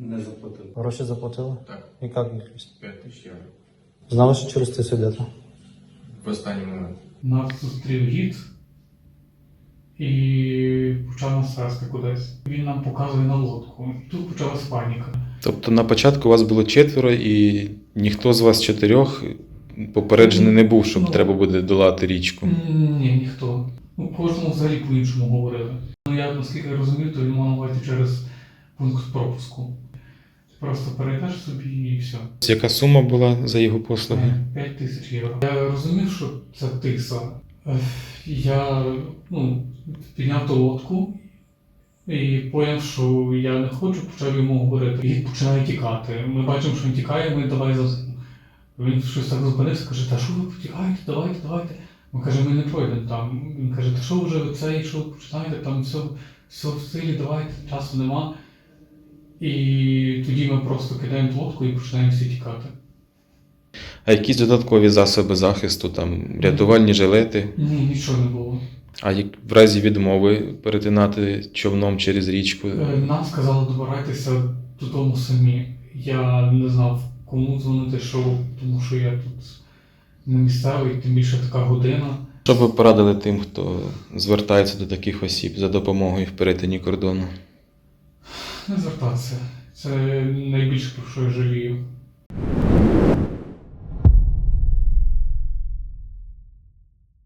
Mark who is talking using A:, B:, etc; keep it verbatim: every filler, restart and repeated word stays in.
A: Не заплатили.
B: Гроші заплатили?
C: Так,
B: І як їх?
C: п'ять тисяч євро.
B: Знали, що через це сидите?
C: В останній момент.
D: Нас зустрів гід і почав нас вести кудись. Він нам показує на лодку. Тут почалась паніка.
E: Тобто на початку вас було четверо і ніхто з вас чотирьох попереджений не був, щоб
D: Ну.
E: треба буде долати річку.
D: Ні, ніхто. Ну, кожному взагалі по-іншому говорили. Ну, я, наскільки я розумів, то він мав на увазі через пункт пропуску. Ти просто перейдеш собі і все.
E: Яка сума була за його послуги?
D: п'ять тисяч євро. Я розумів, що це тиса. Е, Я ну, підняв ту лодку і поняв, що я не хочу, почав йому говорити. І починає тікати. Ми бачимо, що він тікає, ми давай за. Він щось так зупинився, каже, та що ви потікаєте, давайте, давайте. Він каже, ми не пройдемо там. Він каже, та що вже ви це, що ви починаєте, там все, все в силі, давайте, часу нема. І тоді ми просто кидаємо лодку і починаємо всі тікати.
E: А якісь додаткові засоби захисту, там рятувальні жилети?
D: Ні, нічого не було.
E: А як в разі відмови перетинати човном через річку?
D: Е, Нам сказали добирайтеся додому самі. Я не знав, кому дзвонити, що, тому що я тут не місцевий, тим більше така година.
E: Що б ви порадили тим, хто звертається до таких осіб за допомогою в перетині кордону?
D: Не звертатися. Це найбільше, про що я жалію.